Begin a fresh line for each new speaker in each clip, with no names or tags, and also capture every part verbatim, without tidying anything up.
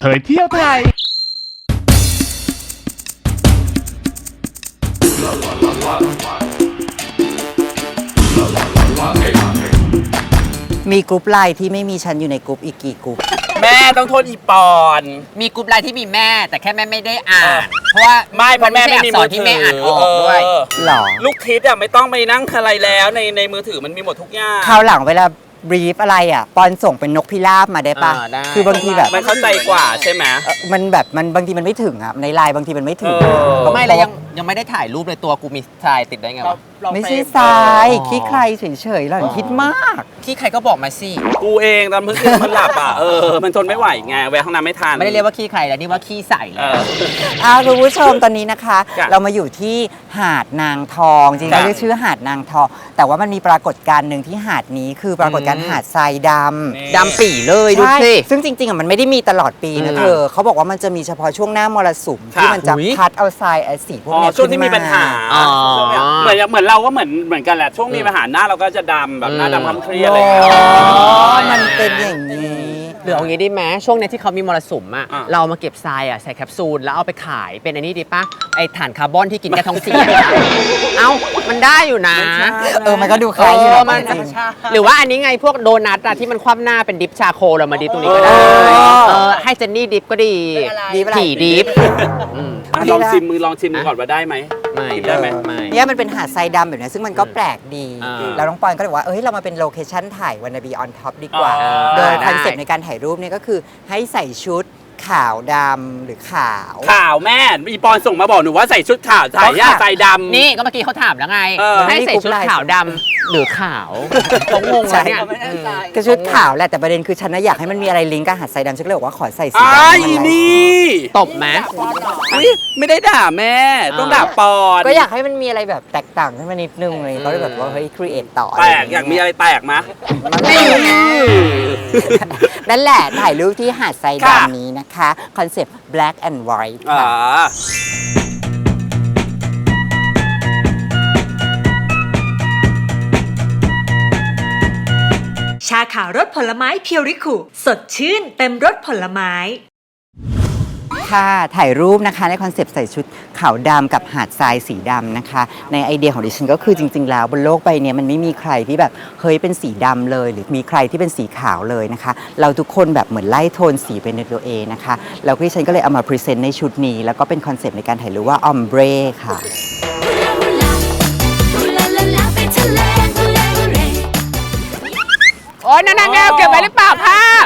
เผยเที่ยวไทย
มีกรุ๊ปไลน์ที่ไม่มีฉันอยู่ในกรุ๊ปอีกกี่กรุ๊ป
แม่ต้องโทษอีปอน
มีกรุ๊ปไลน์ที่มีแม่แต่แค่แม่ไม่ได้อ่านเพราะว่า
ไม่เพราะแม่ไม่มีมือถือ
ที่แม่อ่านออกด้วย
หรอ
ลูกทิศอ่ะไม่ต้องไปนั่งอะไรแล้วในในมือถือมันมีหมดทุกอย่าง
คราวหลังเวลาบรีฟอะไรอ่ะปอนส่งเป็นนกพิราบมาได้ปะคือบางทีแบบ
มันเข้าใจกว่าใช่ไหม
มันแบบมันบางทีมันไม่ถึงอ่ะในไลน์บางทีมันไม่ถึง
ไม่แล้วยังยังไม่ได้ถ่ายรูปเลยตัวกูมีทรายติดได้ไงวะ
ไม่ใช่ทรายขี้ใครเฉยๆหล่อนคิดมาก
ขี้ใครก็บอกมาสิ
กูเองตอนเพิ่งมันหลับอ่ะเออมันทนไม่ไหวไงแวะห้องน้ำไม่ทัน
ไม่ได้เรียกว่าขี้ใครแล้วนี่ว่าขี้ใส่แล้ว
อ่าคุณผู้ชมตอนนี้นะคะเรามาอยู่ที่หาดนางทองจริงๆเรียกชื่อหาดนางทองแต่ว่ามันมีปรากฏการณ์หนึ่งที่หาดนี้คือปรากฏการณ์หาดทรายดำ
ดำปี่เลยดูสิ
ซึ่งจริงๆอ่ะมันไม่ได้มีตลอดปีนะเธอเขาบอกว่ามันจะมีเฉพาะช่วงหน้ามรสุมที่มันจะพัดเอาทรายไอ้สีพวกนี้
ช่วงที่มีปัญหาเหมือนเหมือนเราก็เหมือนเหมือนกันแหละช่วงมีปัญหาหน้าเราก็จะดำแบบหน้าดำคล้ำเครียดอะไรอย่างเงี้ย
มันเป็นอย่างนี้
หรือเอางี้ได้ไหมช่วงนี้ที่เขามีมรสุมอ่ะเรามาเก็บทรายอ่ะใส่แคปซูลแล้วเอาไปขายเป็นอันนี้ดีป่ะไอถ่านคาร์บอนที่กินแค่ท้องเสียเอ้ามันได้อยู่นะ
เออมันก็ดูคล้ายอยู่
มันหรือว่าอันนี้ไงพวกโดนัทอะที่มันคว่ำหน้าเป็นดิฟชาโคเรามาดิฟตรงนี้ก็ได้เออให้เจนนี่ดิฟก็ดีถี่ดิฟ
ลองชิมมือลองชิมมือก่อนว่าได้ไหม
ไม่
ได้ไหม
ไม่เนี่ยมันเป็นหาดทรายดำแบบนี้ซึ่งมันก็แปลกดีแล้วน้องปอนก็เลยว่าเอ้ยเรามาเป็นโลเคชั่นถ่ายวันนาบีออนท็อปดีกว่าโดยคอนเซ็ปต์ในการถ่ายรูปเนี่ยก็คือให้ใส่ชุดขาวดำหรือขาว
ขาวแม่อีปอนส่งมาบอกหนูว่าใส่ชุดขาวใส่ย่าใส่ดำ
นี่ก็เมื่อกี้เขาถามแล้วไงให้ใส่ชุดขาวดำหรือขาวเขางงเลยเนี่ย
ก็ชุดขาวแหละแต่ประเด็นคือฉันน่ะอยากให้มันมีอะไรลิงก์กับหาดทรายดำฉันก็เลยบอกว่าขอใส่สี
ดำไอ้นี่
ตบไหม
ไม่ได้ด่าแม่ต้องด่าปอน
ก็อยากให้มันมีอะไรแบบแตกต่างขึ้นมานิดนึงเลยเขาเลยแบบว่าเฮ้ยครีเอทต่อ
แตกอยากมีอะไรแตกมะ
นั่นแหละถ่ายรูปที่หาดทรายดำนี้นะคะคอนเซ็ปต์ black and white ค่ะ
ชาขาวรสผลไม้เพียวริคุสดชื่นเต็มรสผลไม้
ค่ะถ่ายรูปนะคะในคอนเซปต์ใส่ชุดขาวดำกับหาดทรายสีดำนะคะในไอเดียของดิฉันก็คือจริงๆแล้วบนโลกใบนี้มันไม่มีใครที่แบบเฮ้ยเป็นสีดำเลยหรือมีใครที่เป็นสีขาวเลยนะคะเราทุกคนแบบเหมือนไล่โทนสีเป็นในตัวเองนะคะแล้วดิฉันก็เลยเอามาพรีเซนต์ในชุดนี้แล้วก็เป็นคอนเซปต์ในการถ่ายรูปว่าออมเบรค่ะ
โอ๊ยนั่นๆเก็บไว้หรือเปล่าภาพ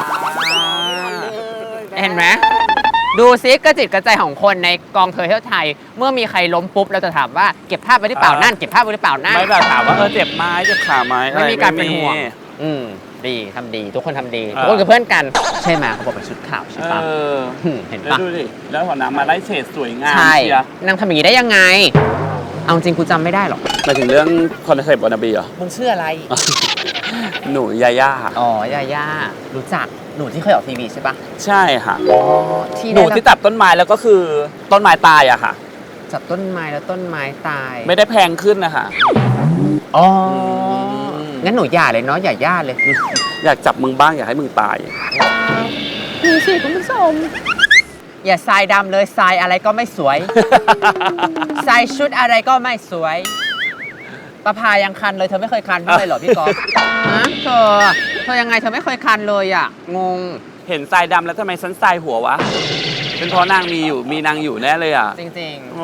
เห็นไหมดูซิกระจิตกระใจของคนในกองเธอเที่ยวไทยเมื่อมีใครล้มปุ๊บเราจะถามว่าเก็บภาพไว้หรือเปล่านั่นเก็บภาพไว้หรือเปล่านั่น
ไม่แบบถามว่าเออเจ็บไหมเจ็บขาไหม
ไม่มีการเป็นห่วงอืมดีทำดีทุกคนทำดีทุกคนคือเพื่อนกันใช่ไหมเขาบอกเป็นชุดขาวใช่ปะเห็นปะ
ดูดิแล้วหัวหน้ำมาไล่เฉดสวยงาม
ใช่นางทำอย่างนี้ได้ยังไงเอาจริงกูจำไม่ได้หรอก
มาถึงเรื่องคอนเซ็ปต์วานาบีเหรอ
มึงชื่ออะไร
หนูยาย่า
อ๋อยาย่ารู้จักหนูที่เคยออกทีวีใช่ปะ
ใช่ค่ะหนูที่จับต้นไม้แล้วก็คือต้นไม้ตายอะค่ะ
จับต้นไม้แล้วต้นไม้ตาย
ไม่ได้แพงขึ้นนะคะ
อ๋องั้นหนูอย่าเลยเนาะอย่าย่าเลย
อยากจับมึงบ้างอยากให้มึงตาย
นี่สิคุณผู้ชมอย่าทรายดำเลยทรายอะไรก็ไม่สวยทรายชุดอะไรก็ไม่สวยประพายังคันเลยเธอไม่เคยคันไม่เลยเหรอพี่ก๊อฟฮะเธอเธอยังไงเธอไม่เคยคันเลยอ่ะงง
เห็นทรายดำแล้วทำไมฉันทรายหัววะเป็นเพราะนางมีอยู่มีนางอยู่แน่เลยอ่ะ
จริงๆ
โอ้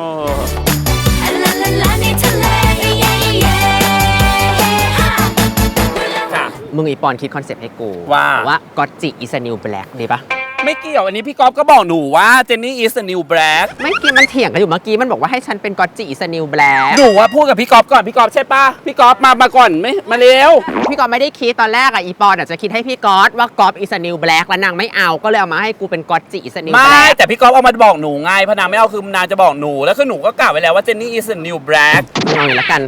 มึงอีปอนคิดคอนเซ็ปต์ให้กู
ว่า
ว่าก็อตจิอิสนิวแบล็กดีปะ
ไม่เกี่ยวอันนี้พี่ก๊อฟก็บอกหนูว่าเจนนี่อีสนิวแบล็ก
ไม่เกี่ยวมันเถียงกันอยู่เมื่อกี้มันบอกว่าให้ฉันเป็นก็อตจิอิสนิวแบล็ก
หนูว่าพูดกับพี่ก๊อฟก่อนพี่ก๊อฟใช่ปะพี่ก๊อฟมามาก่อนไม่มาเร็ว
พี่ก๊อฟไม่ได้คิดตอนแรกอะอีปอนอาจจะคิดให้พี่ก๊อฟว่าก๊อฟอิสนิวแบล็กแล้วนางไม่เอาก็เลยเอามาให้กูเป็นก็อตจิอิสนิวแบล็ก
ไม่แต่พี่ก๊อฟเอามาบอกหนูไงพนางไม่เอาคือนางจะบอกหนูแล้วคือหนูก็กล่าวไว้แล้วว่าเจนนี่อีสนิวแบล็ก
เอาอย่างละกัน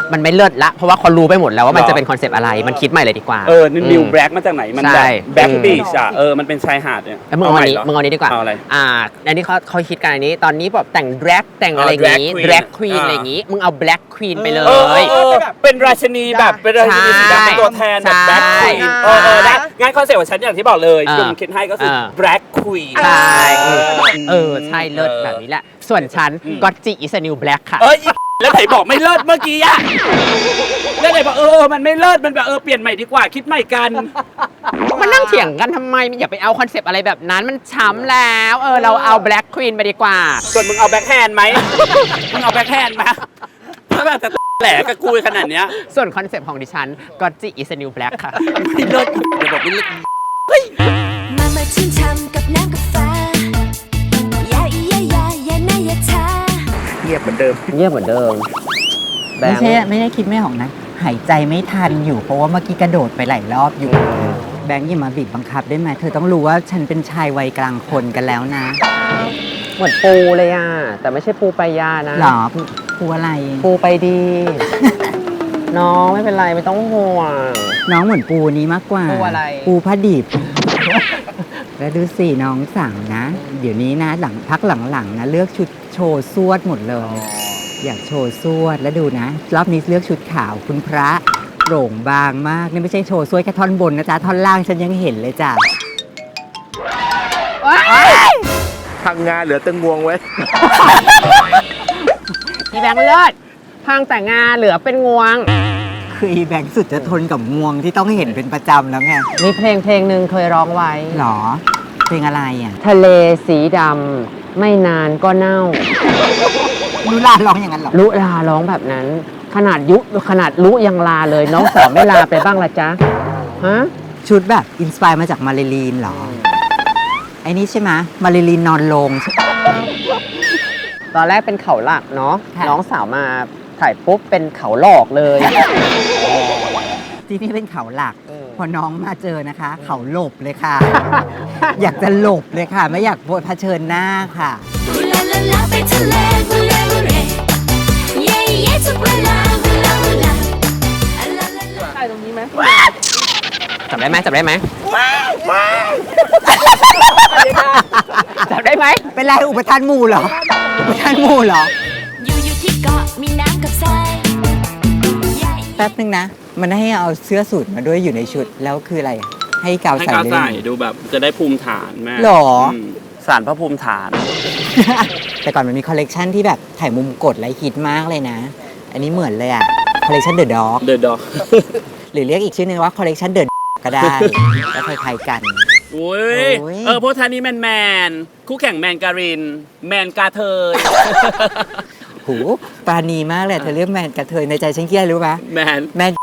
มันไม่เลิศละเพราะว่าเขารู้ไปหมดแล้วว่ามัน
หรอ
จะเป็นคอนเซปต์อะไรมันคิดใหม่เลยดีกว่า
เออนี่นิวแบล็กมาจากไหนมัน
ใช่
แบบแบล็ก
อืม
บีชอ่ะเออมันเป็นชายหาดเนี่ย
แล้วมึงเอาอันนี้
ให
มึงเอาอันนี้ดีกว่า
เอาอะไร
อ่าอันนี้เขาเขาคิดกันอันนี้ ตอนนี้แบบแต่งแดร็กแต่งอะไรอย่างงี้
อ๋อ
แด
drag
ร็ก
queen
ควีน
อ่า
อะไรอย่างงี้ มึงเอาแบล็กควีนไปเล
เออเออย เออเป็นราชินีแบบเป็นราชินีสีดำเป็นตัวแทนแบบแบล็กควีน
ใช่
เออเออได้งั้นคอนเซ็ปต์ของฉันอย่างที่บอกเลย
เออ
จุ่มคิดให้ก็คือ
เออ
แบล็กควีน
ใช่เออเออใช่เลิศแบบนี้แหละ ส่วนฉันก็จิอิสนิวแบล็กค่ะ
เอ้ยแล้วไหนบอกไม่เลิศเมื่อกี้อะแล้วไหนบอกเออมันไม่เลิศมันแบบเออเปลี่ยนใหม่ดีกว่าคิดใหม่กัน
มันนั่งเถียงกันทำไมอย่าไปเอาคอนเซปต์อะไรแบบนั้นมันช้ำแล้วเออเราเอาแบล็กควีนไปดีกว่า
ส่วนมึงเอาแบ็คแฮนด์ไหม มึงเอาแบ็คแฮนด์ไหมถ้าแบบจะแหลกกับกูขนาดเนี้ย
ส่วนคอนเซปต์ของดิฉันก็จิอิสนิวแบล็กค่ะ
ไม่เลิศเดี๋ยวบอกไม่เลิศ
มามาชื่นช่ำกับน้ำกาแฟอย่าอีอย่าอย่าอย่านะอย่าช้า
เงียบเหมือนเดิม
เงียบเหมือนเดิมแบ
ไม่
งค์
ใช่ไม่ได้คิดไม่ออกนะ หายใจไม่ทันอยู่ เพราะว่าเมื่อกี้กระโดดไปหลายรอบอยู่ แบงค์อย่ามาบีบบังคับได้ไหมเธอต้องรู้ว่าฉันเป็นชายวัยกลางคนกันแล้วนะ
เหมือนปูเลยอ่ะ แต่ไม่ใช่ปูปลายานะ
หรอผู้ผู้อะไร
ปูไปดี น้องไม่เป็นไรไม่ต้องห่วง
น้องเหมือนปูนี้มากกว่า
ปูอะไร
ปูผ้าดิบ แล้วดูสิน้องสั่งนะ เดี๋ยวนี้นะหลังพักหลังๆนะเลือกชุดโชว์สวดหมดเลย อยากโชว์สวดแล้วดูนะ รอบนี้เลือกชุดขาวคุณพระโปร่งบางมากนี่ไม่ใช่โชว์สวดแค่ท่อนบนนะจ๊ะท่อนล่างฉันยังเห็นเลยจ้ะ
พังงานเหลือแตึงงวงไว้
อีแบงค์เลิศพังแต่งานเหลือเป็นงวง
คืออีแบงค์สุดจะทนกับงวงที่ต้องเห็นเป็นประจำแล้วไง
มีเพลงเพลงหนึ่งเคยร้องไว้
หรอเพลงอะไรอ่ะ
ทะเลสีดำไม่นานก็เน่า
นุลาร้องอย่างนั้นเหรอ
ลุลาร้องแบบนั้น ขนาดยุขนาดลุยังลาเลย น้องสาวไม่ลาไปบ้างละจ๊ะฮะ
ชุดแบบอินสปายมาจากมาริลีนเหรอ ไอ้นี่ใช่ไหมมาริลีนนอนลงใช่
ตอนแรกเป็นเขาหลักเนาะ
ค่ะ
น้องสาวมาถ่ายปุ๊บเป็นเขาหลอกเลย
ที่นี่เป็นเขาหลัก
อืม
พอน้องมาเจอนะคะ เขาหลบเลยค่ะ อยากจะหลบเลยค่ะ ไม่อยากเผชิญหน้าค่ะ
ฮูลาลาลาไปทะเลฮูลาฮูเรเย่เย่ทุกเวลาฮูลาฮูลาอะลาลาลา
จับได้ไหมจับได้ไหมจับได้ไหม
เป็นไรอุปทานหมู่เหรอ อุปทานหมู่เหรอ
อยู่อยู่ที่เกาะมีน้ำกับทรายใหญ่
แป๊บนึงนะ มันให้เอาเสื้อสูทมาด้วยอยู่ในชุด แล้วคืออะไร ให้กาว
ให้
ใส่
กาว
เลย
ใส่ดูแบบจะได้ภูมิฐานแม่
หรอ
มสารพระภูมิฐาน
แต่ก่อนมันมีคอลเลกชันที่แบบถ่ายมุมกดและฮิตมากเลยนะ อันนี้เหมือนเลยอะคอลเลกชันเดอะด็อก
เดอะด็อก
หรือเรียกอีกชื่อนึงว่าคอลเลกชันเดอะก็ได้ ก็คล้ายๆกัน
โอ้ย
โอ้ย
เออพวกท่านนี้แมนแมนๆคู่แข่งแมนการิน แมนกาเทย
หูปราณีมากเลยเธอเรียกแมนกระเทยในใจฉันคิดอะไรรู้ปะ
แมน
แมน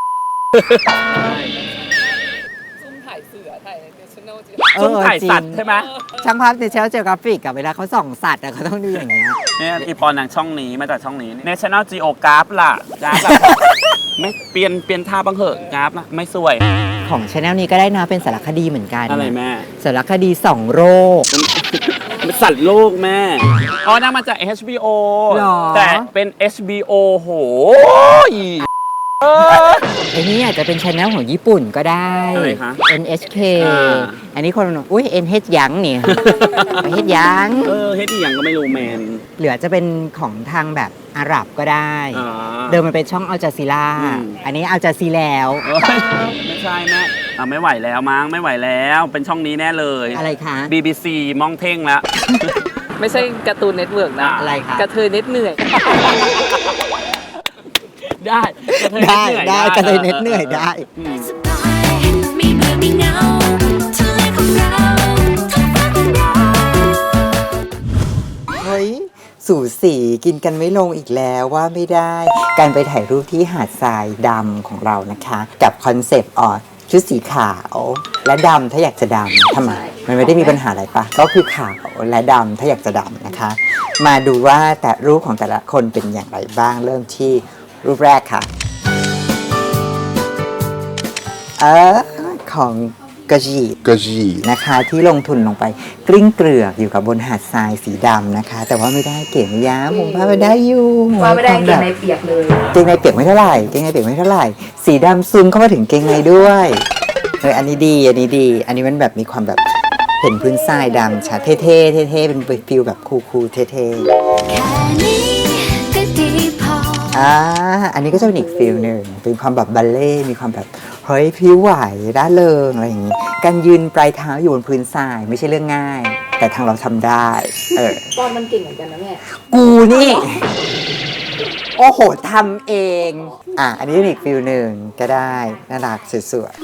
ซุ่มถ่าย
จริง
สัตว์ใช่ไหม
ช่างภาพในเชลเจอกราฟิกกับเวลาเขาส่องสัตว์อะเขาต้องดูอย่างเงี้ย
เนี่ยอีปอนนางช่องนี้มาจากช่องนี้ National Geographic ล่ะกราฟล่ะ ไม่เปลี่ยนเปลี่ยนท่าบ้างเหอะกราฟนะไม่สวย
ของช anel นี้ก็ได้นะเป็นสารคดีเหมือนกัน
อะไรแม่
สารคดีสองโรค
มันสัตว์โลกแม่ อ๋อนางมาจาก เอช บี โอ
หรอ
แต่เป็น เอช บี โอ โหย
ไอ้นี่อาจจะเป็นช anel ของญี่ปุ่นก็ได้
อะไรคะ
เอ็น เอช เค
อ่า
อันนี้คนอุ้ย เอ็น เอช ยังเนี่ย เอช ยัง
เออเฮ็ดอีหยังก็ไม่รู้แมน
เหลือจะเป็นของทางแบบอาหรับก็ได้
อ่า
เดิมมันเป็นช่องอัลจาซีรา
อืม
อันนี้อัลจาซีแล้ว
เอ้ยไม่ใช่แม่อ่ะไม่ไหวแล้วมั้งไม่ไหวแล้ว เป็นช่องนี้แน่เลย
อะไรคะ
บี บี ซี มองเท่งแล้ว
ไม่ใช่การ์ตูนเน็ตเวิร์กนะ
อะไรคะ
กระเทยเน็ตเหนื่อย
ได้
ได้ได้กระเทยเน็ตเหนื่อยได้
อืม
สบายไม่เบื่อไม่เหงาทะเลของเราท้องฟ้าของเรา
เฮ้ย สู่สีกินกันไม่ลงอีกแล้วว่าไม่ได้ การไปถ่ายรูปที่หาดทรายดำของเรานะคะ กับคอนเซปต์ออชุดสีขาวและดำถ้าอยากจะดำทำไม มันไม่ได้มีปัญหาอะไรปะก็คือขาวและดำถ้าอยากจะดำนะคะ มาดูว่าแต่รูปของแต่ละคนเป็นอย่างไรบ้างเริ่มที่รูปแรกค่ะ เออของกระจี
กระจี
นะคะที่ลงทุนลงไปกลิ้งเกลือกอยู่กับบนหาดทรายสีดำนะคะ แต่ว่าไม่ได้เก๋ไม่ย้ำผมว่าไม่ได้อยู่
ว่าไม่ได้เกงในเปียกเลย
เกงในเปียกไม่เท่าไหร่เกงในเปียกไม่เท่าไหร่สีดำซึมเข้ามาถึงเกงในด้วยเอออันนี้ดีอันนี้ดี อันนี้มันแบบมีความแบบเห็นพื้นทรายดำชัดเท่ๆเท่ๆเป็นฟิลแบบคูลๆเท่ๆ
แค่นี้ก็ดีพอ
อ่า อันนี้ก็จะเป็นอีกฟิลหนึ่งเป็นความแบบบัลเล่ต์มีความแบบเฮ้ยพริ้วไหวร่าเริงอะไรอย่างนี้ การยืนปลายเท้าอยู่บนพื้นทรายไม่ใช่เรื่องง่าย แต่ทางเราทำได้ เออ
ตอนมันเก่งเหมือนกันนะแม่
กูนี่ โอ้โหทำเอง อ่ะ อันนี้เป็นอีกฟิลหนึ่งก็ได้ น่ารักสวย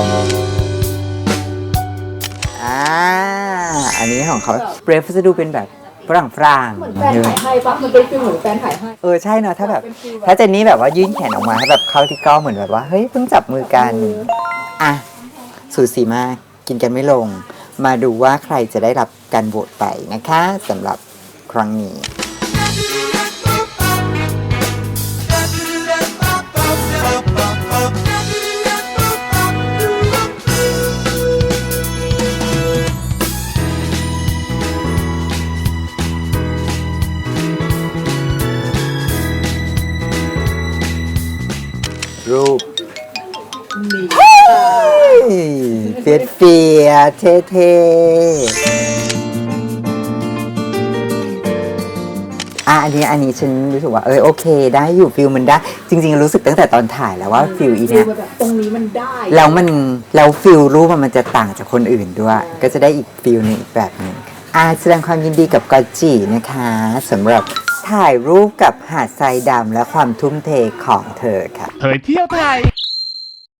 ๆอ่า อันนี้ของเขาเบรฟจะดูเป็นแบบฝรั่งฝรั่ง
เหมือนแฟนถ่ายให้ปะมันเป็นฟิลเหมือนแฟนถ่ายให้
เออใช่เนอะถ้าแบบ ถ้าเจนนี่แบบว่ายื่นแขนออกมาให้แบบเข้าที่กล้องเหมือนแบบว่า เฮ้ยเพิ่งจับมือกัน อ่ะ สูสีมากกินกันไม่ลง มาดูว่าใครจะได้รับการโหวตไปนะคะสำหรับครั้งนี้ รูปเฟียดเฟียเท่เท่อ่ะอันนี้อันนี้ฉันรู้สึกว่าเออโอเคได้อยู่ฟิลมันได้ จริงๆรู้สึกตั้งแต่ตอนถ่ายแล้วว่าฟิลอีเนี่ย
แบบตรงนี้มันได้
แล้วมันแล้วฟิลรูปมันจะต่างจากคนอื่นด้วย ก็จะได้อีกฟิลหนึงอีกแบบหนึ่งอ่ะแสดงความยินดีกับกอตจินะคะสำหรับถ่ายรูปกับหาดทรายดำและความทุ่มเทของเธอค่ะ
เผยเที่ยวไทย